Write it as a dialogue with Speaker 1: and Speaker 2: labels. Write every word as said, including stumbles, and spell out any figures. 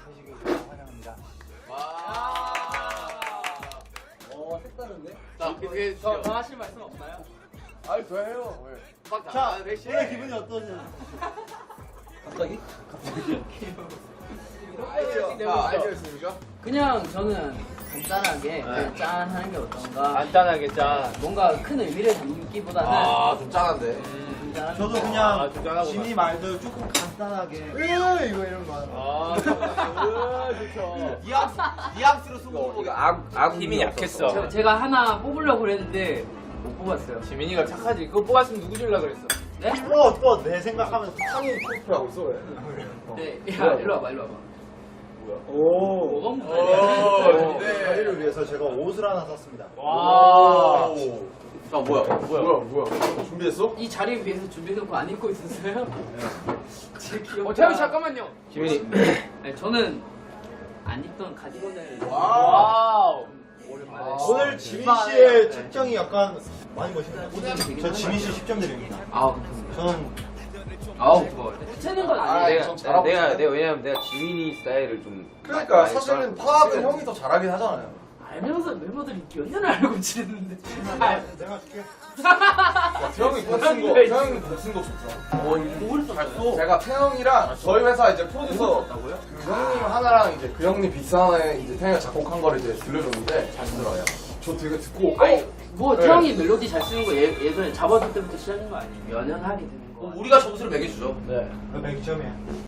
Speaker 1: 되시길 환영합니다.
Speaker 2: 와.
Speaker 1: 어, 색다른데?
Speaker 2: 자, 그게
Speaker 3: 더, 더 하실 말씀 없나요?
Speaker 2: 아니 더 해요. 왜?
Speaker 1: 자,
Speaker 2: 아, 백신.
Speaker 1: 오늘 기분이 어떠세요? 갑자기?
Speaker 2: 아이디어. 아, 아이디어였습니까?
Speaker 3: 그냥 저는 간단하게 그냥 짠 하는 게 어떤가.
Speaker 4: 간단하게 짠.
Speaker 3: 뭔가 큰 의미를 담기보다는
Speaker 2: 아, 좀 짠한데.
Speaker 3: 음, 짠한
Speaker 1: 저도
Speaker 3: 거.
Speaker 1: 그냥
Speaker 4: 아, 좀 짠하구만.
Speaker 1: 지니 말대로 조금 간단하게 으 이거 이런 거 하는 거.
Speaker 4: 아, 좋죠.
Speaker 2: 뉘앙스, 뉘앙스로 승부보기 악, 악
Speaker 4: 힘이 약했어.
Speaker 3: 저, 제가 하나 뽑으려고 그랬는데 못 뽑았어요.
Speaker 4: 지민이가 착하지. 그거 뽑았으면 누구 줄라 그랬어?
Speaker 3: 네?
Speaker 1: 또, 또 내 생각하면서
Speaker 2: 상이 코스프레하고 있어 왜?
Speaker 3: 네. 야, 일로 와봐, 일로 와봐.
Speaker 1: 오.
Speaker 3: 뭐가
Speaker 2: 오.
Speaker 3: 문제야?
Speaker 1: 자리를 위해서 제가 옷을 하나 샀습니다.
Speaker 4: 와.
Speaker 2: 아 뭐야? 뭐야? 뭐야? 준비했어?
Speaker 3: 이 자리에 비해서 준비해놓고 안 입고 있었어요? 제 기억.
Speaker 4: 어, 태우 잠깐만요.
Speaker 2: 지민이.
Speaker 3: 네, 저는 안 입던 가디건을.
Speaker 4: 와우.
Speaker 3: 오랜만에.
Speaker 1: 오늘 지민
Speaker 3: 오랜만에.
Speaker 1: 씨의
Speaker 3: 네.
Speaker 1: 책정이 약간 많이 멋있네요.
Speaker 3: 되긴
Speaker 1: 저 지민 씨 십 점 드립니다.
Speaker 3: 아우, 감사합니다.
Speaker 1: 저는
Speaker 3: 아우, 그거. 붙이는 건
Speaker 2: 아,
Speaker 3: 아니에요.
Speaker 2: 좀
Speaker 5: 내가,
Speaker 2: 잘하고
Speaker 5: 내가,
Speaker 2: 있어요.
Speaker 5: 내가 왜냐면 내가 지민이 스타일을 좀
Speaker 2: 그러니까
Speaker 5: 많이
Speaker 2: 사실은
Speaker 5: 좋아하거든.
Speaker 2: 파악은 형이 더 잘하긴 하잖아요.
Speaker 3: 알면서 멤버들이 몇 년을 알고 지냈는데.
Speaker 1: 내가 줄게.
Speaker 2: 태형이 복쓴 거, 태형이 복쓴 거 좋다.
Speaker 3: 어, 뭘 썼어요?
Speaker 2: 제가 태형이랑 저희 회사 이제 프로듀서 그 형님 하나랑 이제 그 형님 비스 하나에 이제 태형이가 작곡한 거를 이제 들려줬는데 잘 들어요. 저 되게 듣고
Speaker 3: 아니, 뭐,
Speaker 2: 네.
Speaker 3: 태형이 멜로디 잘 쓰는 거 예, 예전에 잡아줄 때부터 시작인 거 아니에요? 연연하게 되는 거.
Speaker 2: 우리가 점수를 매겨주죠.
Speaker 4: 네.
Speaker 1: 너 백 점이야.